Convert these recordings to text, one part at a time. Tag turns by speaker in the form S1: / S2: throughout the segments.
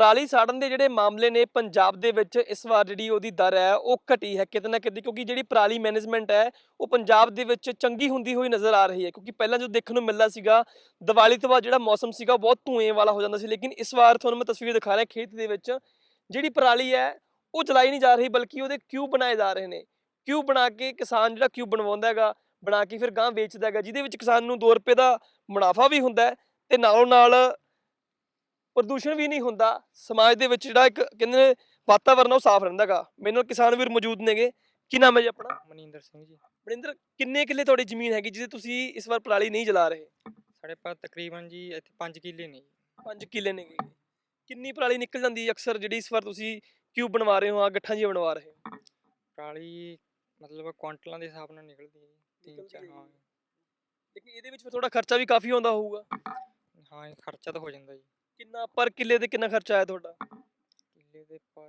S1: ਪਰਾਲੀ ਸਾੜਨ ਦੇ ਜਿਹੜੇ ਮਾਮਲੇ ਨੇ ਪੰਜਾਬ ਦੇ ਵਿੱਚ ਇਸ ਵਾਰ ਜਿਹੜੀ ਉਹਦੀ ਦਰ ਹੈ ਉਹ ਘਟੀ ਹੈ ਕਿਤੇ ਨਾ ਕਿਤੇ, ਕਿਉਂਕਿ ਜਿਹੜੀ ਪਰਾਲੀ ਮੈਨੇਜਮੈਂਟ ਹੈ ਉਹ ਪੰਜਾਬ ਦੇ ਵਿੱਚ ਚੰਗੀ ਹੁੰਦੀ ਹੋਈ ਨਜ਼ਰ ਆ ਰਹੀ ਹੈ। ਕਿਉਂਕਿ ਪਹਿਲਾਂ ਜੋ ਦੇਖਣ ਨੂੰ ਮਿਲਦਾ ਸੀਗਾ ਦੀਵਾਲੀ ਤੋਂ ਬਾਅਦ ਜਿਹੜਾ ਮੌਸਮ ਸੀਗਾ ਬਹੁਤ ਧੂਏ ਵਾਲਾ ਹੋ ਜਾਂਦਾ ਸੀ, ਲੇਕਿਨ ਇਸ ਵਾਰ ਤੁਹਾਨੂੰ ਮੈਂ ਤਸਵੀਰ ਦਿਖਾ ਰਿਹਾ ਖੇਤ ਦੇ ਵਿੱਚ ਜਿਹੜੀ ਪਰਾਲੀ ਹੈ ਉਹ ਜਲਾਈ ਨਹੀਂ ਜਾ ਰਹੀ, ਬਲਕਿ ਉਹਦੇ ਕਿਊਬ ਬਣਾਏ ਜਾ ਰਹੇ ਨੇ। ਕਿਊਬ ਬਣਾ ਕੇ ਕਿਸਾਨ ਜਿਹੜਾ ਕਿਊਬ ਬਣਵਾਉਂਦਾ ਹੈਗਾ, ਬਣਾ ਕੇ ਫਿਰ ਗਾਂ ਵੇਚਦਾ ਹੈਗਾ, ਜਿਹਦੇ ਵਿੱਚ ਕਿਸਾਨ ਨੂੰ 2 ਰੁਪਏ ਦਾ ਮੁਨਾਫਾ ਵੀ ਹੁੰਦਾ ਹੈ ਤੇ ਨਾਲੋਂ ਨਾਲ ਪ੍ਰਦੂਸ਼ਣ ਵੀ ਨਹੀਂ ਹੁੰਦਾ। ਸਮਾਜ ਦੇ ਵਿੱਚ ਜਿਹੜਾ ਇੱਕ ਕਹਿੰਦੇ ਨੇ ਵਾਤਾਵਰਨ ਉਹ ਸਾਫ਼ ਰਹਿੰਦਾ ਗਾ। ਮੇਰੇ ਨਾਲ ਕਿਸਾਨ ਵੀਰ ਮੌਜੂਦ ਨੇਗੇ। ਕੀ ਨਾਮ ਹੈ ਜੀ ਆਪਣਾ?
S2: ਮਨਿੰਦਰ ਸਿੰਘ ਜੀ।
S1: ਮਨਿੰਦਰ, ਕਿੰਨੇ ਕਿੱਲੇ ਤੁਹਾਡੀ ਜ਼ਮੀਨ ਹੈਗੀ ਜਿਹਦੇ ਤੁਸੀਂ ਇਸ ਵਾਰ ਪਰਾਲੀ ਨਹੀਂ ਜਲਾ ਰਹੇ?
S2: ਸਾਡੇ ਪਾਸ ਤਕਰੀਬਨ ਜੀ ਇੱਥੇ 5 ਕਿੱਲੇ ਨੇ ਜੀ।
S1: 5 ਕਿੱਲੇ ਨੇਗੇ। ਕਿੰਨੀ ਪਰਾਲੀ ਨਿਕਲ ਜਾਂਦੀ ਹੈ ਅਕਸਰ ਜਿਹੜੀ ਇਸ ਵਾਰ ਤੁਸੀਂ ਕਿਊਬ ਬਣਵਾ ਰਹੇ ਹੋ, ਆ ਗੱਠਾਂ ਜੀ ਬਣਵਾ ਰਹੇ ਹੋ?
S2: ਪਰਾਲੀ ਮਤਲਬ ਕੁਆਂਟਲਾਂ ਦੇ ਹਿਸਾਬ ਨਾਲ ਨਿਕਲਦੀ ਹੈ ਜੀ, 3-4। ਹਾਂ
S1: ਲੇਕਿਨ ਇਹਦੇ ਵਿੱਚ ਫਿਰ ਤੁਹਾਡਾ ਖਰਚਾ ਵੀ ਕਾਫੀ ਆਉਂਦਾ ਹੋਊਗਾ।
S2: ਹਾਂ ਇਹ ਖਰਚਾ ਤਾਂ ਹੋ ਜਾਂਦਾ ਜੀ।
S1: ਕਿੰਨਾ ਪਰ ਕਿੱਲੇ ਤੇ ਕਿੰਨਾ ਖਰਚਾ ਆਇਆ ਤੁਹਾਡਾ?
S2: ਕਿੱਲੇ ਦੇ ਪਰ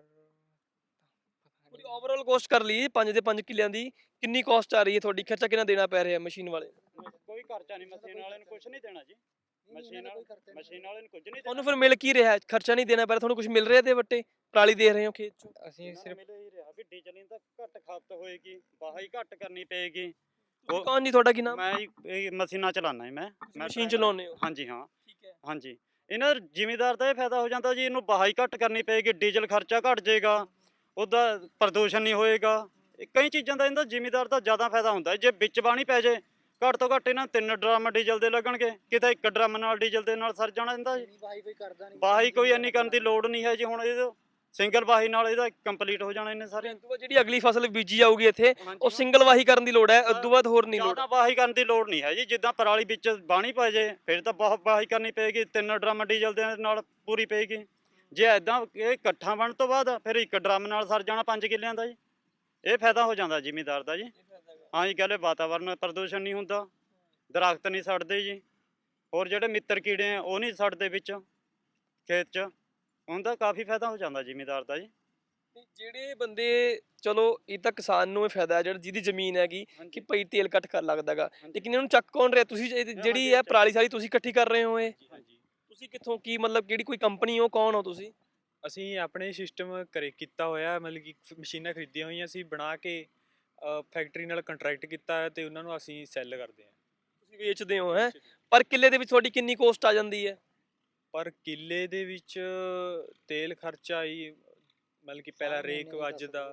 S1: ਪੂਰੀ ਓਵਰਆਲ ਕੋਸਟ ਕਰ ਲਈ 5 ਦੇ 5 ਕਿੱਲਿਆਂ ਦੀ ਕਿੰਨੀ ਕੋਸਟ ਆ ਰਹੀ ਹੈ ਤੁਹਾਡੀ? ਖਰਚਾ ਕਿੰਨਾ ਦੇਣਾ ਪੈ ਰਿਹਾ ਮਸ਼ੀਨ ਵਾਲੇ?
S3: ਕੋਈ ਖਰਚਾ ਨਹੀਂ, ਮਸ਼ੀਨ ਵਾਲੇ ਨੂੰ ਕੁਝ ਨਹੀਂ ਦੇਣਾ ਜੀ। ਮਸ਼ੀਨ ਵਾਲੇ ਨੂੰ ਕੁਝ ਨਹੀਂ ਦੇਣਾ।
S1: ਤੁਹਾਨੂੰ ਫਿਰ ਮਿਲ ਕੀ ਰਿਹਾ? ਖਰਚਾ ਨਹੀਂ ਦੇਣਾ ਪੈ ਰਿਹਾ, ਤੁਹਾਨੂੰ ਕੁਝ ਮਿਲ ਰਿਹਾ ਤੇ ਵੱਟੇ ਪਰਾਲੀ ਦੇ ਰਹੇ ਹੋ ਖੇਤ ਚੋਂ?
S2: ਅਸੀਂ ਸਿਰਫ
S3: ਮਿਲ ਹੀ ਰਿਹਾ ਵੀ ਡੀਜ਼ਲ ਤਾਂ ਘੱਟ ਖਪਤ ਹੋਏਗੀ, ਵਾਹੀ ਘੱਟ ਕਰਨੀ ਪਏਗੀ।
S1: ਤੁਸੀਂ ਕੌਣ ਜੀ, ਤੁਹਾਡਾ ਕੀ ਨਾਮ?
S3: ਮੈਂ ਇਹ ਮਸ਼ੀਨਾਂ ਚਲਾਉਣਾ ਜੀ। ਮੈਂ
S1: ਮਸ਼ੀਨ ਚਲਾਉਂਦੇ ਹੋ?
S3: ਹਾਂਜੀ ਹਾਂ।
S1: ਠੀਕ ਹੈ।
S3: ਹਾਂਜੀ, ਇਹਨਾਂ ਜ਼ਿਮੀਦਾਰ ਦਾ ਇਹ ਫਾਇਦਾ ਹੋ ਜਾਂਦਾ ਜੀ, ਇਹਨੂੰ ਵਾਹੀ ਘੱਟ ਕਰਨੀ ਪਏਗੀ, ਡੀਜ਼ਲ ਖਰਚਾ ਘਟ ਜਾਏਗਾ, ਉਹਦਾ ਪ੍ਰਦੂਸ਼ਣ ਨਹੀਂ ਹੋਏਗਾ। ਕਈ ਚੀਜ਼ਾਂ ਦਾ ਇਹਦਾ ਜ਼ਿਮੀਦਾਰ ਦਾ ਜ਼ਿਆਦਾ ਫਾਇਦਾ ਹੁੰਦਾ। ਜੇ ਵਿੱਚ ਬਾਣੀ ਪੈ ਜੇ ਘੱਟ ਤੋਂ ਘੱਟ ਇਹਨਾਂ 3 ਡਰਮ ਡੀਜ਼ਲ ਦੇ ਲੱਗਣਗੇ, ਕਿਤੇ 1 ਡਰਮ ਨਾਲ ਡੀਜ਼ਲ ਦੇ ਨਾਲ ਸਰ ਜਾਣਾ ਇਹਦਾ ਜੀ। ਵਾਹੀ ਕੋਈ ਇੰਨੀ ਕਰਨ ਦੀ ਲੋੜ ਨਹੀਂ ਹੈ ਜੀ। ਹੁਣ ਇਹ ਸਿੰਗਲ ਵਾਹੀ ਨਾਲ ਇਹਦਾ ਕੰਪਲੀਟ ਹੋ ਜਾਣਾ ਇਹਨੇ ਸਾਰੇ।
S1: ਜਿਹੜੀ ਅਗਲੀ ਫਸਲ ਬੀਜੀ ਜਾਊਗੀ ਇੱਥੇ ਉਹ ਸਿੰਗਲ ਵਾਹੀ ਕਰਨ ਦੀ ਲੋੜ ਹੈ, ਉਸ ਤੋਂ ਬਾਅਦ ਹੋਰ ਨਹੀਂ ਲੋੜ।
S3: ਜ਼ਿਆਦਾ ਵਾਹੀ ਕਰਨ ਦੀ ਲੋੜ ਨਹੀਂ ਹੈ ਜੀ। ਜਿੱਦਾਂ ਪਰਾਲੀ ਵਿੱਚ ਬਾਣੀ ਪੈ ਜੇ ਫਿਰ ਤਾਂ ਬਹੁਤ ਵਾਹੀ ਕਰਨੀ ਪਏਗੀ, 3 ਡਰਮ ਡੀਜ਼ਲ ਦੇ ਨਾਲ ਪੂਰੀ ਪਏਗੀ। ਜੇ ਐਦਾਂ ਇਹ ਇਕੱਠਾ ਬਣ ਤੋਂ ਬਾਅਦ ਫਿਰ 1 ਡਰਮ ਨਾਲ ਸਰ ਜਾਣਾ 5 ਕਿੱਲਿਆਂ ਦਾ ਜੀ। ਇਹ ਫਾਇਦਾ ਹੋ ਜਾਂਦਾ ਜ਼ਿਮੀਦਾਰ ਦਾ ਜੀ। ਹਾਂ ਜੀ, ਕਹਿੰਦੇ ਵਾਤਾਵਰਨ ਪ੍ਰਦੂਸ਼ਣ ਨਹੀਂ ਹੁੰਦਾ, ਦਰਖਤ ਨਹੀਂ ਸੜਦੇ ਜੀ, ਹੋਰ ਜਿਹੜੇ ਮਿੱਤਰ ਕੀੜੇ ਆ ਉਹ ਨਹੀਂ ਸੜਦੇ ਵਿੱਚ ਖੇਤ 'ਚ, ਉਹਦਾ ਕਾਫੀ ਫਾਇਦਾ ਹੋ ਜਾਂਦਾ ਜ਼ਿਮੀਦਾਰ ਦਾ ਜੀ।
S1: ਜਿਹੜੇ ਬੰਦੇ, ਚਲੋ ਇਹ ਤਾਂ ਕਿਸਾਨ ਨੂੰ ਇਹ ਫਾਇਦਾ ਹੈ ਜਿਹਦੀ ਜ਼ਮੀਨ ਹੈਗੀ ਕਿ ਭਈ ਤੇਲ ਕੱਟ ਕਰ ਲੱਗਦਾਗਾ, ਲੇਕਿਨ ਇਹਨੂੰ ਚੱਕ ਕੌਣ ਰਿਹਾ? ਤੁਸੀਂ ਜਿਹੜੀ ਹੈ ਪਰਾਲੀ ਸਾਰੀ ਤੁਸੀਂ ਇਕੱਠੀ ਕਰ ਰਹੇ ਹੋ? ਇਹ ਤੁਸੀਂ ਕਿੱਥੋਂ, ਕੀ ਮਤਲਬ ਕਿਹੜੀ ਕੋਈ ਕੰਪਨੀ ਹੋ, ਕੌਣ ਹੋ ਤੁਸੀਂ?
S4: ਅਸੀਂ ਆਪਣੇ ਸਿਸਟਮ ਕੀਤਾ ਹੋਇਆ, ਮਤਲਬ ਕਿ ਮਸ਼ੀਨਾਂ ਖਰੀਦੀਆਂ ਹੋਈਆਂ ਅਸੀਂ ਬਣਾ ਕੇ ਫੈਕਟਰੀ ਨਾਲ ਕੰਟਰੈਕਟ ਕੀਤਾ ਹੈ ਤੇ ਉਹਨਾਂ ਨੂੰ ਅਸੀਂ ਸੈੱਲ ਕਰਦੇ ਹਾਂ।
S1: ਤੁਸੀਂ ਵੇਚਦੇ ਹੋ ਹੈ? ਪਰ ਕਿੱਲੇ ਦੇ ਵਿੱਚ ਤੁਹਾਡੀ ਕਿੰਨੀ ਕੋਸਟ ਆ ਜਾਂਦੀ ਹੈ?
S4: ਪਰ ਕਿੱਲੇ ਦੇ ਵਿੱਚ ਤੇਲ ਖਰਚਾ ਹੀ ਮਤਲਬ ਕਿ ਪਹਿਲਾਂ ਰੇਕ ਅੱਜ ਦਾ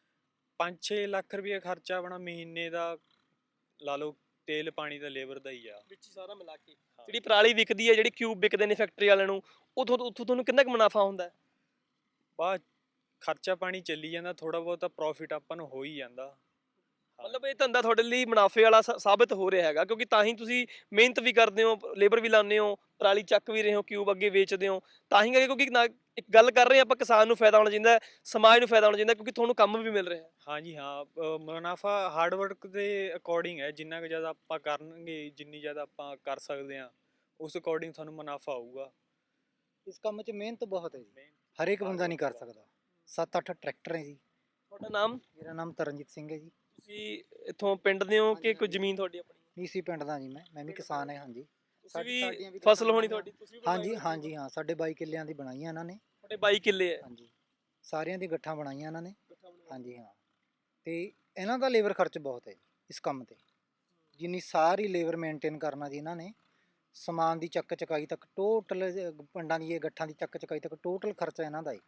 S4: 5-6 ਲੱਖ ਰੁਪਏ ਖਰਚਾ ਆਪਣਾ ਮਹੀਨੇ ਦਾ ਲਾ ਲਓ, ਤੇਲ ਪਾਣੀ ਦਾ ਲੇਬਰ ਦਾ ਹੀ ਆ
S1: ਵਿੱਚ ਸਾਰਾ ਮਿਲਾ ਕੇ। ਜਿਹੜੀ ਪਰਾਲੀ ਵਿਕਦੀ ਹੈ, ਜਿਹੜੀ ਕਿਊਬ ਵਿਕਦੇ ਨੇ ਫੈਕਟਰੀ ਵਾਲਿਆਂ ਨੂੰ, ਉੱਥੋਂ ਤੁਹਾਨੂੰ ਕਿੰਨਾ ਕੁ ਮੁਨਾਫਾ ਹੁੰਦਾ ਹੈ?
S4: ਬਾਅਦ ਖਰਚਾ ਪਾਣੀ ਚੱਲੀ ਜਾਂਦਾ, ਥੋੜਾ ਬਹੁਤਾ ਪ੍ਰੋਫਿਟ ਆਪਾਂ ਨੂੰ ਹੋ ਹੀ ਜਾਂਦਾ।
S1: ਮਤਲਬ ਇਹ ਧੰਦਾ ਤੁਹਾਡੇ ਲਈ ਮੁਨਾਫੇ ਵਾਲਾ ਸਾਬਤ ਹੋ ਰਿਹਾ ਹੈਗਾ, ਕਿਉਂਕਿ ਤਾਂ ਹੀ ਤੁਸੀਂ ਮਿਹਨਤ ਵੀ ਕਰਦੇ ਹੋ, ਲੇਬਰ ਵੀ ਲਾਉਂਦੇ ਹੋ, ਪਰਾਲੀ ਚੱਕ ਵੀ ਰਹੇ ਹੋ, ਕਿਊਬ ਅੱਗੇ ਵੇਚਦੇ ਹੋ, ਤਾਂ ਹੀ ਕਰਕੇ। ਕਿਉਂਕਿ ਇੱਕ ਗੱਲ ਕਰ ਰਹੇ ਹਾਂ ਆਪਾਂ, ਕਿਸਾਨ ਨੂੰ ਫਾਇਦਾ ਹੋਣਾ ਚਾਹੀਦਾ, ਸਮਾਜ ਨੂੰ ਫਾਇਦਾ ਹੋਣਾ ਚਾਹੀਦਾ, ਕਿਉਂਕਿ ਤੁਹਾਨੂੰ ਕੰਮ ਵੀ ਮਿਲ ਰਿਹਾ ਹੈ।
S4: ਹਾਂਜੀ ਹਾਂ, ਮੁਨਾਫਾ ਹਾਰਡ ਵਰਕ ਦੇ ਅਕੋਰਡਿੰਗ ਹੈ। ਜਿੰਨਾ ਕੁ ਜ਼ਿਆਦਾ ਆਪਾਂ ਕਰਨਗੇ, ਜਿੰਨੀ ਜ਼ਿਆਦਾ ਆਪਾਂ ਕਰ ਸਕਦੇ ਹਾਂ, ਉਸ ਅਕੋਰਡਿੰਗ ਤੁਹਾਨੂੰ ਮੁਨਾਫਾ ਆਊਗਾ।
S5: ਇਸ ਕੰਮ 'ਚ ਮਿਹਨਤ ਬਹੁਤ ਹੈ ਜੀ, ਹਰੇਕ ਬੰਦਾ ਨਹੀਂ ਕਰ ਸਕਦਾ। 7-8 ਟਰੈਕਟਰ ਹੈ ਜੀ।
S1: ਤੁਹਾਡਾ ਨਾਮ?
S5: ਮੇਰਾ ਨਾਮ ਤਰਨਜੀਤ ਸਿੰਘ ਹੈ ਜੀ।
S1: ਤੁਸੀਂ ਇੱਥੋਂ ਪਿੰਡ ਦੇ ਹੋ ਕਿ ਕੋਈ ਜ਼ਮੀਨ ਤੁਹਾਡੀ ਆਪਣੀ?
S5: ਨੀਸੀ ਪਿੰਡ ਦਾ ਜੀ। ਮੈਂ ਵੀ ਕਿਸਾਨ ਹਾਂ। ਹਾਂਜੀ,
S1: ਤੁਸੀਂ ਵੀ ਫਸਲ ਹੋਣੀ ਤੁਹਾਡੀ? ਤੁਸੀਂ
S5: ਹਾਂਜੀ ਹਾਂਜੀ ਹਾਂ, ਸਾਡੇ 22 ਕਿੱਲਿਆਂ ਦੀ ਬਣਾਈਆਂ ਇਹਨਾਂ ਨੇ।
S1: ਤੁਹਾਡੇ 22 ਕਿੱਲੇ ਹੈ?
S5: ਹਾਂਜੀ, ਸਾਰਿਆਂ ਦੀ ਗੱਠਾਂ ਬਣਾਈਆਂ ਇਹਨਾਂ ਨੇ। ਹਾਂਜੀ ਹਾਂ, ਤੇ ਇਹਨਾਂ ਦਾ ਲੇਬਰ ਖਰਚ ਬਹੁਤ ਹੈ ਇਸ ਕੰਮ ਤੇ। ਜਿੰਨੀ ਸਾਰੀ ਲੇਬਰ ਮੇਨਟੇਨ ਕਰਨਾ ਜੀ ਇਹਨਾਂ ਨੇ, ਸਮਾਨ ਦੀ ਚੱਕ ਚਕਾਈ ਤੱਕ ਟੋਟਲ, ਪਿੰਡਾਂ ਦੀ ਇਹ ਗੱਠਾਂ ਦੀ ਚੱਕ ਚਕਾਈ ਤੱਕ ਟੋਟਲ ਖਰਚਾ ਇਹਨਾਂ ਦਾ ਹੈ।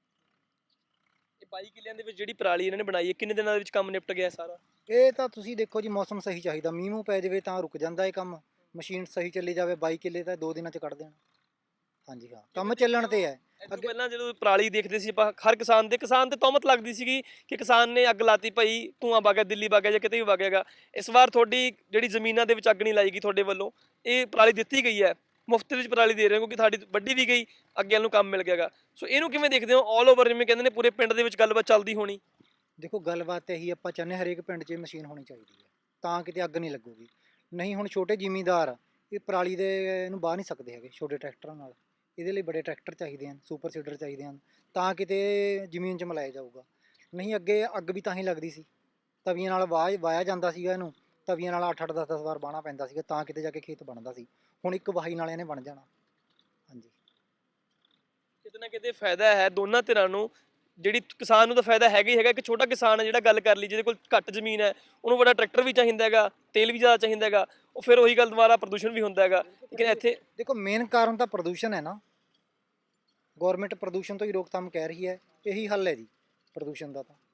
S1: ਇਹ 22 ਕਿੱਲਿਆਂ ਦੇ ਵਿੱਚ ਜਿਹੜੀ ਪਰਾਲੀ ਇਹਨਾਂ ਨੇ ਬਣਾਈ ਹੈ, ਕਿੰਨੇ ਦਿਨਾਂ ਦੇ ਵਿੱਚ ਕੰਮ ਨਿਪਟ ਗਿਆ ਸਾਰਾ?
S5: ਇਹ ਤਾਂ ਤੁਸੀਂ ਦੇਖੋ ਜੀ, ਮੌਸਮ ਸਹੀ ਚਾਹੀਦਾ, ਮੀਂਹ ਮੂੰਹ ਪੈ ਜਾਵੇ ਤਾਂ ਰੁਕ ਜਾਂਦਾ ਇਹ ਕੰਮ। ਮਸ਼ੀਨ ਸਹੀ ਚੱਲੀ ਜਾਵੇ 22 ਕਿੱਲੇ ਤਾਂ 2 ਦਿਨਾਂ 'ਚ ਕੱਢ ਦੇਣਾ। ਹਾਂਜੀ ਹਾਂ, ਕੰਮ ਚੱਲਣ ਤੇ ਹੈ।
S1: ਅੱਗੇ ਪਹਿਲਾਂ ਜਦੋਂ ਪਰਾਲੀ ਦੇਖਦੇ ਸੀ ਆਪਾਂ, ਹਰ ਕਿਸਾਨ ਤੇ ਤੌਮਤ ਲੱਗਦੀ ਸੀਗੀ ਕਿ ਕਿਸਾਨ ਨੇ ਅੱਗ ਲਾਤੀ, ਭਾਈ ਧੂੰਆਂ ਵਗ ਗਿਆ, ਦਿੱਲੀ ਵਗ ਗਿਆ ਜਾਂ ਕਿਤੇ ਵੀ ਵਗ ਜਾਏਗਾ। ਇਸ ਵਾਰ ਤੁਹਾਡੀ ਜਿਹੜੀ ਜ਼ਮੀਨਾਂ ਦੇ ਵਿੱਚ ਅੱਗ ਨਹੀਂ ਲਾਈ ਗਈ ਤੁਹਾਡੇ ਵੱਲੋਂ, ਇਹ ਪਰਾਲੀ ਦਿੱਤੀ ਗਈ ਹੈ, ਮੁਫਤ ਵਿੱਚ ਪਰਾਲੀ ਦੇ ਰਹੇ ਹੋ, ਕਿਉਂਕਿ ਤੁਹਾਡੀ ਵੱਡੀ ਵੀ ਗਈ, ਅੱਗੇ ਨੂੰ ਕੰਮ ਮਿਲ ਗਿਆਗਾ। ਸੋ ਇਹਨੂੰ ਕਿਵੇਂ ਦੇਖਦੇ ਹੋ? ਆਲ ਓਵਰ ਜਿਵੇਂ ਕਹਿੰਦੇ ਨੇ ਪੂਰੇ ਪਿੰਡ ਦੇ ਵਿੱਚ ਗੱਲਬਾਤ ਚੱਲਦੀ ਹੋਣੀ।
S5: ਦੇਖੋ, ਗੱਲਬਾਤ ਇਹੀ ਆਪਾਂ ਚਾਹੁੰਦੇ, ਹਰੇਕ ਪਿੰਡ 'ਚ ਮਸ਼ੀਨ ਹੋਣੀ ਚਾਹੀਦੀ ਹੈ, ਤਾਂ ਕਿਤੇ ਅੱਗ ਨਹੀਂ ਲੱਗੂਗੀ। ਨਹੀਂ ਹੁਣ ਛੋਟੇ ਜ਼ਿਮੀਂਦਾਰ ਇਹ ਪਰਾਲੀ ਦੇ ਇਹਨੂੰ ਬਾਹ ਨਹੀਂ ਸਕਦੇ ਹੈਗੇ ਛੋਟੇ ਟਰੈਕਟਰਾਂ ਨਾਲ। ਇਹਦੇ ਲਈ ਬੜੇ ਟਰੈਕਟਰ ਚਾਹੀਦੇ ਹਨ, ਸੁਪਰ ਸੀਡਰ ਚਾਹੀਦੇ ਹਨ, ਤਾਂ ਕਿਤੇ ਜ਼ਮੀਨ 'ਚ ਮਿਲਾਇਆ ਜਾਊਗਾ। ਨਹੀਂ ਅੱਗੇ ਅੱਗ ਵੀ ਤਾਂ ਹੀ ਲੱਗਦੀ ਸੀ, ਤਵੀਆਂ ਨਾਲ ਵਾਹਿਆ ਜਾਂਦਾ ਸੀਗਾ ਇਹਨੂੰ, ਤਵੀਆਂ ਨਾਲ 8-8 10-10 ਵਾਰ ਬਾਹਣਾ ਪੈਂਦਾ ਸੀਗਾ, ਤਾਂ ਕਿਤੇ ਜਾ ਕੇ ਖੇਤ ਬਣਦਾ ਸੀ। ਹੁਣ ਇੱਕ ਵਾਹੀ ਨਾਲ ਇਹਨੇ ਬਣ ਜਾਣਾ। ਹਾਂਜੀ,
S1: ਕਿਤੇ ਨਾ ਕਿਤੇ ਫਾਇਦਾ ਹੈ ਦੋਨਾਂ ਧਿਰਾਂ ਨੂੰ। ਜਿਹੜੀ ਕਿਸਾਨ ਨੂੰ ਤਾਂ ਫਾਇਦਾ ਹੈਗਾ ਹੀ ਹੈਗਾ, ਇੱਕ ਛੋਟਾ ਕਿਸਾਨ ਹੈ ਜਿਹੜਾ ਗੱਲ ਕਰ ਲਈ ਜਿਹਦੇ ਕੋਲ ਘੱਟ ਜ਼ਮੀਨ ਹੈ, ਉਹਨੂੰ ਵੱਡਾ ਟਰੈਕਟਰ ਵੀ ਚਾਹੀਦਾ ਹੈਗਾ, ਤੇਲ ਵੀ ਜ਼ਿਆਦਾ ਚਾਹੀਦਾ ਹੈਗਾ, ਉਹ ਫਿਰ ਉਹੀ ਗੱਲ ਦੁਬਾਰਾ ਪ੍ਰਦੂਸ਼ਣ ਵੀ ਹੁੰਦਾ ਹੈਗਾ। ਲੇਕਿਨ ਇੱਥੇ
S5: ਦੇਖੋ ਮੇਨ ਕਾਰਨ ਤਾਂ ਪ੍ਰਦੂਸ਼ਣ ਹੈ ਨਾ, ਗਵਰਨਮੈਂਟ ਪ੍ਰਦੂਸ਼ਣ ਤੋਂ ਹੀ ਰੋਕਥਾਮ ਕਹਿ ਰਹੀ ਹੈ, ਇਹੀ ਹੱਲ ਹੈ ਜੀ ਪ੍ਰਦੂਸ਼ਣ ਦਾ ਤਾਂ।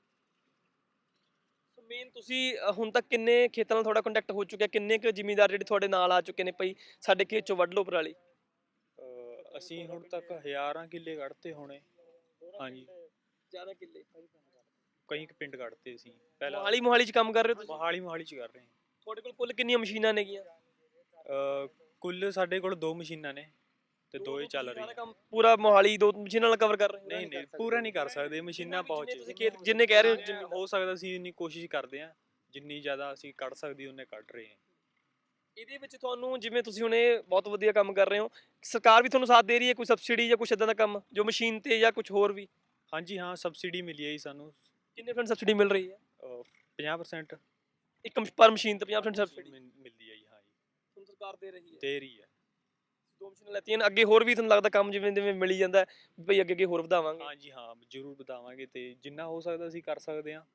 S1: ਮੇਨ ਤੁਸੀਂ ਹੁਣ ਤੱਕ ਕਿੰਨੇ ਖੇਤਾਂ ਨਾਲ ਤੁਹਾਡਾ ਕੰਟੈਕਟ ਹੋ ਚੁੱਕਿਆ, ਕਿੰਨੇ ਕੁ ਜ਼ਿਮੀਂਦਾਰ ਜਿਹੜੇ ਤੁਹਾਡੇ ਨਾਲ ਆ ਚੁੱਕੇ ਨੇ ਭਈ ਸਾਡੇ ਖੇਤ ਚੋਂ ਵੱਢ ਲਓ ਪਰਾਲੀ?
S4: ਅਸੀਂ ਹੁਣ ਤੱਕ ਹਜ਼ਾਰਾਂ ਕਿੱਲੇ ਕੱਢਤੇ ਹੋਣੇ। ਹਾਂਜੀ,
S1: ਜ਼ਿਆਦਾ ਕਿੱਲੇ
S4: ਕਈ ਕੁ ਪਿੰਡ ਕੱਢਤੇ ਅਸੀਂ ਪਹਿਲਾਂ।
S1: ਮੋਹਾਲੀ ਚ ਕੰਮ ਕਰ ਰਹੇ ਹੋ ਤੁਸੀਂ?
S4: ਮੋਹਾਲੀ ਚ ਕਰ ਰਹੇ ਹਾਂ।
S1: ਤੁਹਾਡੇ ਕੋਲ ਕੁੱਲ ਕਿੰਨੀਆਂ ਮਸ਼ੀਨਾਂ ਨੇਗੀਆਂ?
S4: ਕੁੱਲ ਸਾਡੇ ਕੋਲ 2 ਮਸ਼ੀਨਾਂ ਨੇ ਤੇ 2 ਹੀ ਚੱਲ
S1: ਸਾਰਾ
S4: ਰਹੀਆਂ।
S1: ਕੰਮ ਪੂਰਾ ਮੋਹਾਲੀ 2 ਮਸ਼ੀਨਾਂ ਨਾਲ ਕਵਰ ਕਰ ਰਹੇ ਹੋ?
S4: ਨਹੀਂ ਪੂਰਾ ਨਹੀਂ ਕਰ ਸਕਦੇ, ਮਸ਼ੀਨਾਂ ਬਹੁਤ
S1: ਤੁਸੀਂ
S4: ਚਾਹੀਦੀਆਂ।
S1: ਖੇਤ ਜਿੰਨੇ ਕਹਿ ਰਹੇ ਹੋ ਜ਼ਮੀਨ
S4: ਹੋ ਸਕਦਾ ਅਸੀਂ ਇੰਨੀ ਕੋਸ਼ਿਸ਼ ਕਰਦੇ ਹਾਂ, ਜਿੰਨੀ ਜ਼ਿਆਦਾ ਅਸੀਂ ਕੱਢ ਸਕਦੇ ਉਹਨੇ ਕੱਢ ਰਹੇ ਹਾਂ।
S1: ਇਹਦੇ ਵਿੱਚ ਤੁਹਾਨੂੰ ਜਿਵੇਂ ਤੁਸੀਂ ਹੁਣੇ ਬਹੁਤ ਵਧੀਆ ਕੰਮ ਕਰ ਰਹੇ ਹੋ, ਸਰਕਾਰ ਵੀ ਤੁਹਾਨੂੰ ਸਾਥ ਦੇ ਰਹੀ ਹੈ, ਕੋਈ ਸਬਸਿਡੀ ਜਾਂ ਕੁਝ ਇਦਾਂ ਦਾ ਕੰਮ ਜੋ ਮਸ਼ੀਨ ਤੇ ਜਾਂ ਕੁਝ ਹੋਰ ਵੀ?
S4: ਹਾਂਜੀ ਹਾਂ, ਸਬਸਿਡੀ ਮਿਲੀ ਹੈ ਜੀ ਸਾਨੂੰ।
S1: ਕਿੰਨੇ % ਸਬਸਿਡੀ ਮਿਲ ਰਹੀ ਹੈ?
S4: 50%
S1: ਇੱਕ ਪਰ ਮਸ਼ੀਨ ਤੇ 50% ਸਬਸਿਡੀ
S4: ਮਿਲਦੀ ਹੈ ਜੀ। ਹਾਂ ਜੀ,
S1: ਤੁਹਾਨੂੰ ਸਰਕਾਰ ਦੇ ਰਹੀ ਹੈ?
S4: ਦੇ ਰਹੀ ਹੈ।
S1: 2 ਮਸ਼ੀਨਾਂ ਲੈਤੀਆਂ ਨੇ, ਅੱਗੇ ਹੋਰ ਵੀ ਤੁਹਾਨੂੰ ਲੱਗਦਾ ਕੰਮ ਜਿਵੇਂ ਜਿਵੇਂ ਮਿਲੀ ਜਾਂਦਾ ਬਈ ਅੱਗੇ ਹੋਰ ਵਧਾਵਾਂਗੇ?
S4: ਹਾਂਜੀ ਹਾਂ, ਜ਼ਰੂਰ ਵਧਾਵਾਂਗੇ ਤੇ ਜਿੰਨਾ ਹੋ ਸਕਦਾ ਅਸੀਂ ਕਰ ਸਕਦੇ ਹਾਂ।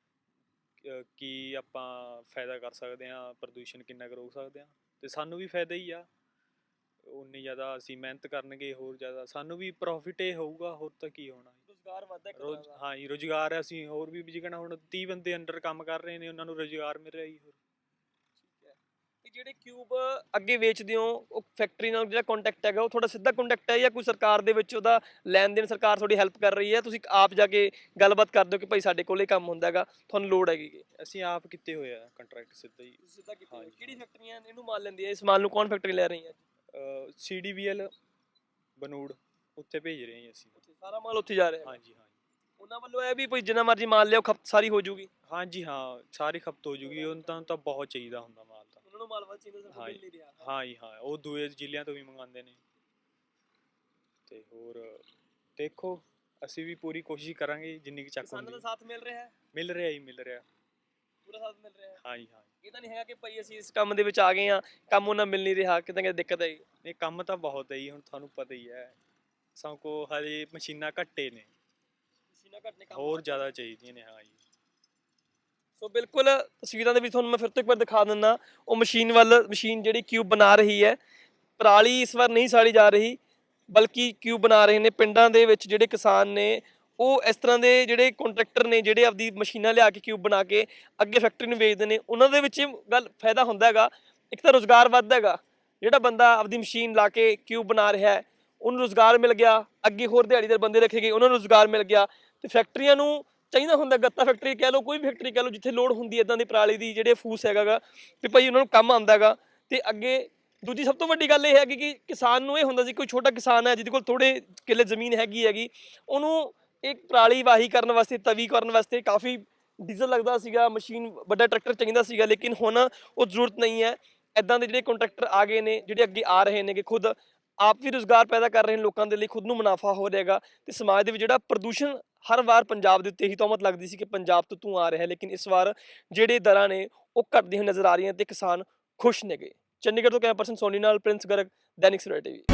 S4: ਕੀ ਆਪਾਂ ਫਾਇਦਾ ਕਰ ਸਕਦੇ ਹਾਂ, ਪ੍ਰਦੂਸ਼ਣ ਕਿੰਨਾ ਕੁ ਰੋਕ ਸਕਦੇ ਹਾਂ, ਤੇ ਸਾਨੂੰ ਵੀ ਫਾਇਦਾ ਹੀ ਆ। ਉਨੀ ਜ਼ਿਆਦਾ ਅਸੀਂ ਮਿਹਨਤ ਕਰਨਗੇ, ਹੋਰ ਜ਼ਿਆਦਾ ਸਾਨੂੰ ਵੀ ਪ੍ਰੋਫਿਟ ਹੀ ਹੋਊਗਾ, ਹੋਰ ਤਾਂ ਕੀ ਹੋਣਾ।
S1: ਰੋਜ਼ਗਾਰ ਵੱਧਦਾ ਇੱਕ
S4: ਰੋਜ਼
S1: ਤਰ੍ਹਾਂ ਦਾ।
S4: ਹਾਂ ਜੀ, ਰੁਜ਼ਗਾਰ ਅਸੀਂ ਹੋਰ ਵੀ ਜਿਕਣਾ ਹੁਣ 30 ਬੰਦੇ ਅੰਡਰ ਕੰਮ ਕਰ ਰਹੇ ਨੇ, ਉਹਨਾਂ ਨੂੰ ਰੁਜ਼ਗਾਰ ਮਿਲ ਰਿਹਾ ਜੀ। ਹੋਰ
S1: ਤੇ ਜਿਹੜੇ ਕਿਊਬ ਅੱਗੇ ਵੇਚਦੇ ਹੋ, ਉਹ ਫੈਕਟਰੀ ਨਾਲ ਜਿਹੜਾ ਕੰਟੈਕਟ ਹੈਗਾ ਉਹ ਤੁਹਾਡਾ ਸਿੱਧਾ ਕੰਟੈਕਟ ਹੈ ਜਾਂ ਕੋਈ ਸਰਕਾਰ ਦੇ ਵਿੱਚ ਉਹਦਾ ਲੈਣ ਦੇਣ, ਸਰਕਾਰ ਤੁਹਾਡੀ ਹੈਲਪ ਕਰ ਰਹੀ ਹੈ, ਤੁਸੀਂ ਆਪ ਜਾ ਕੇ ਗੱਲਬਾਤ ਕਰਦੇ ਹੋ ਕਿ ਭਾਈ ਸਾਡੇ ਕੋਲ ਇਹ ਕੰਮ ਹੁੰਦਾ ਹੈਗਾ, ਤੁਹਾਨੂੰ ਲੋੜ ਹੈਗੀ?
S4: ਅਸੀਂ ਆਪ ਕੀਤੇ ਹੋਏ ਆ ਕੰਟਰੈਕਟ ਸਿੱਧਾ ਹੀ।
S1: ਸਿੱਧਾ ਕਿਤੇ
S4: ਹਾਂਜੀ।
S1: ਕਿਹੜੀ ਫੈਕਟਰੀਆਂ ਇਹਨੂੰ ਮਾਲ ਲੈਂਦੀਆਂ, ਇਸ ਮਾਲ ਨੂੰ ਕੌਣ ਫੈਕਟਰੀ ਲੈ ਰਹੀ ਹੈ?
S4: CDBL ਬਨੂੜ, ਉੱਥੇ ਭੇਜ ਰਹੇ ਹਾਂ ਅਸੀਂ।
S1: ਸਾਰਾ ਮਾਲ ਉੱਥੇ ਜਾ ਰਿਹਾ?
S4: ਹਾਂਜੀ ਹਾਂ।
S1: ਉਹਨਾਂ ਵੱਲੋਂ ਇਹ ਵੀ ਕੋਈ ਜਿੰਨਾ ਮਰਜ਼ੀ ਮਾਲ ਲਿਆਓ ਖਪਤ ਸਾਰੀ ਹੋ ਜੂਗੀ?
S4: ਹਾਂਜੀ ਹਾਂ, ਸਾਰੀ ਖਪਤ ਹੋ ਜੂਗੀ, ਉਹਨਾਂ ਤਾਂ ਬਹੁਤ ਚਾਹੀਦਾ ਹੁੰਦਾ ਮਾਲ ਤਾਂ।
S1: ਉਹਨਾਂ ਨੂੰ ਮਾਲ ਵੱਧ ਚਾਹੀਦਾ, ਸਾਨੂੰ ਮਿਲ ਨਹੀਂ ਰਿਹਾ।
S4: ਹਾਂ ਜੀ ਹਾਂ, ਉਹ ਦੂਏ ਜ਼ਿਲ੍ਹਿਆਂ ਤੋਂ ਵੀ ਮੰਗਵਾਉਂਦੇ ਨੇ। ਤੇ ਹੋਰ ਦੇਖੋ, ਅਸੀਂ ਵੀ ਪੂਰੀ ਕੋਸ਼ਿਸ਼ ਕਰਾਂਗੇ ਜਿੰਨੀ ਕੁ ਚੱਕ
S1: ਕਿਸਾਨਾਂ
S4: ਹੁੰਦੀ।
S1: ਦਾ ਸਾਥ ਮਿਲ ਰਿਹਾ ਹੈ?
S4: ਮਿਲ ਰਿਹਾ ਜੀ, ਮਿਲ ਰਿਹਾ।
S1: ਪੂਰਾ ਸਾਥ ਮਿਲ ਰਿਹਾ ਹੈ?
S4: ਹਾਂ ਜੀ ਹਾਂ।
S1: ਇਹ ਤਾਂ ਨਹੀਂ ਹੈਗਾ ਕਿ ਭਾਈ ਅਸੀਂ ਇਸ ਕੰਮ ਦੇ ਵਿੱਚ ਆ ਗਏ ਆ, ਕੰਮ ਉਹਨਾਂ ਮਿਲ ਨਹੀਂ ਰਿਹਾ, ਕਿਤੇ ਕਿਤੇ ਦਿੱਕਤ ਆਈ?
S4: ਨਹੀਂ, ਕੰਮ ਤਾਂ ਬਹੁਤ ਹੈ ਜੀ, ਹੁਣ ਤੁਹਾਨੂੰ ਪਤਾ ਹੀ ਹੈ। ਸਭ ਕੋ ਹਜੇ ਮਸ਼ੀਨਾਂ ਘੱਟੇ ਨੇ,
S1: ਮਸ਼ੀਨਾਂ ਘੱਟ ਨੇ, ਕੰਮ
S4: ਹੋਰ
S1: ਵੱਧ
S4: ਜ਼ਿਆਦਾ ਚਾਹੀਦੀਆਂ ਨੇ। ਹਾਂ ਜੀ।
S1: ਸੋ ਬਿਲਕੁਲ ਤਸਵੀਰਾਂ ਦੇ ਵਿੱਚ ਤੁਹਾਨੂੰ ਮੈਂ ਫਿਰ ਤੋਂ ਇੱਕ ਵਾਰ ਦਿਖਾ ਦਿੰਦਾ, ਉਹ ਮਸ਼ੀਨ ਜਿਹੜੀ ਕਿਊਬ ਬਣਾ ਰਹੀ ਹੈ। ਪਰਾਲੀ ਇਸ ਵਾਰ ਨਹੀਂ ਸਾੜੀ ਜਾ ਰਹੀ, ਬਲਕਿ ਕਿਊਬ ਬਣਾ ਰਹੇ ਨੇ। ਪਿੰਡਾਂ ਦੇ ਵਿੱਚ ਜਿਹੜੇ ਕਿਸਾਨ ਨੇ ਉਹ ਇਸ ਤਰ੍ਹਾਂ ਦੇ ਜਿਹੜੇ ਕੰਟਰੈਕਟਰ ਨੇ ਜਿਹੜੇ ਆਪਦੀ ਮਸ਼ੀਨਾਂ ਲਿਆ ਕੇ ਕਿਊਬ ਬਣਾ ਕੇ ਅੱਗੇ ਫੈਕਟਰੀ ਨੂੰ ਵੇਚਦੇ ਨੇ, ਉਹਨਾਂ ਦੇ ਵਿੱਚ ਗੱਲ ਫਾਇਦਾ ਹੁੰਦਾ ਹੈਗਾ। ਇੱਕ ਤਾਂ ਰੁਜ਼ਗਾਰ ਵੱਧਦਾ ਹੈਗਾ, ਜਿਹੜਾ ਬੰਦਾ ਆਪਦੀ ਮਸ਼ੀਨ ਲਾ ਕੇ ਕਿਊਬ ਬਣਾ ਰਿਹਾ ਹੈ ਉਹਨੂੰ ਰੁਜ਼ਗਾਰ ਮਿਲ ਗਿਆ, ਅੱਗੇ ਹੋਰ ਦਿਹਾੜੀਦਾਰ ਬੰਦੇ ਰੱਖੇ ਗਏ ਉਹਨਾਂ ਨੂੰ ਰੁਜ਼ਗਾਰ ਮਿਲ ਗਿਆ। ਤੇ ਫੈਕਟਰੀਆਂ ਨੂੰ ਚਾਹੀਦਾ ਹੁੰਦਾ, ਗੱਤਾ ਫੈਕਟਰੀ ਕਹਿ ਲਓ, ਕੋਈ ਵੀ ਫੈਕਟਰੀ ਕਹਿ ਲਓ, ਜਿੱਥੇ ਲੋੜ ਹੁੰਦੀ ਇਦਾਂ ਦੀ ਪਰਾਲੀ ਦੀ ਜਿਹੜੇ ਫੂਸ ਹੈਗਾ ਗਾ ਵੀ ਭਾਈ ਉਹਨਾਂ ਨੂੰ ਕੰਮ ਆਉਂਦਾ ਹੈਗਾ। ਤੇ ਅੱਗੇ ਦੂਜੀ ਸਭ ਤੋਂ ਵੱਡੀ ਗੱਲ ਇਹ ਹੈਗੀ ਕਿ ਕਿਸਾਨ ਨੂੰ ਇਹ ਹੁੰਦਾ ਸੀ ਕੋਈ ਛੋਟਾ ਕਿਸਾਨ ਹੈ ਜਿਹਦੇ ਕੋਲ ਥੋੜੇ ਕਿੱਲੇ ਜ਼ਮੀਨ ਹੈਗੀ, ਉਹਨੂੰ ਇੱਕ ਪਰਾਲੀ ਵਾਹੀ ਕਰਨ ਵਾਸਤੇ, ਤਵੀ ਕਰਨ ਵਾਸਤੇ ਕਾਫੀ ਡੀਜ਼ਲ ਲੱਗਦਾ ਸੀਗਾ, ਮਸ਼ੀਨ ਵੱਡਾ ਟਰੈਕਟਰ ਚਾਹੀਦਾ ਸੀਗਾ। ਲੇਕਿਨ ਹੁਣ ਉਹ ਜ਼ਰੂਰਤ ਨਹੀਂ ਹੈ। ਇਦਾਂ ਦੇ ਜਿਹੜੇ ਕੰਟਰੈਕਟਰ ਆ ਗਏ ਨੇ, ਜਿਹੜੇ ਅੱਗੇ ਆ ਰਹੇ ਨੇ, ਕਿ ਖੁਦ ਆਪ ਵੀ ਰੁਜ਼ਗਾਰ ਪੈਦਾ ਕਰ ਰਹੇ ਨੇ ਲੋਕਾਂ ਦੇ ਲਈ, ਖੁਦ ਨੂੰ ਮੁਨਾਫਾ ਹੋ ਰਿਹਾਗਾ। ਤੇ ਸਮਾਜ ਦੇ ਵਿੱਚ ਜਿਹੜਾ ਪ੍ਰਦੂਸ਼ਣ ਹਰ ਵਾਰ ਪੰਜਾਬ ਦੇ ਉੱਤੇ ਹੀ ਤਹਿਮਤ ਲੱਗਦੀ ਸੀ ਕਿ ਪੰਜਾਬ ਤੋਂ ਧੂੰਆਂ ਆ ਰਿਹਾ, ਲੇਕਿਨ ਇਸ ਵਾਰ ਜਿਹੜੇ ਦਰਾਂ ਨੇ ਉਹ ਘਟਦੀਆਂ ਨਜ਼ਰ ਆ ਰਹੀਆਂ ਤੇ ਕਿਸਾਨ ਖੁਸ਼ ਨੇਗੇ। ਚੰਡੀਗੜ੍ਹ ਤੋਂ ਕੈਮਰਾ ਪਰਸਨ ਸੋਨੀ ਨਾਲ ਪ੍ਰਿੰਸ ਗਰਗ, ਦੈਨਿਕ ਸਵੇਰਾ ਟੀਵੀ।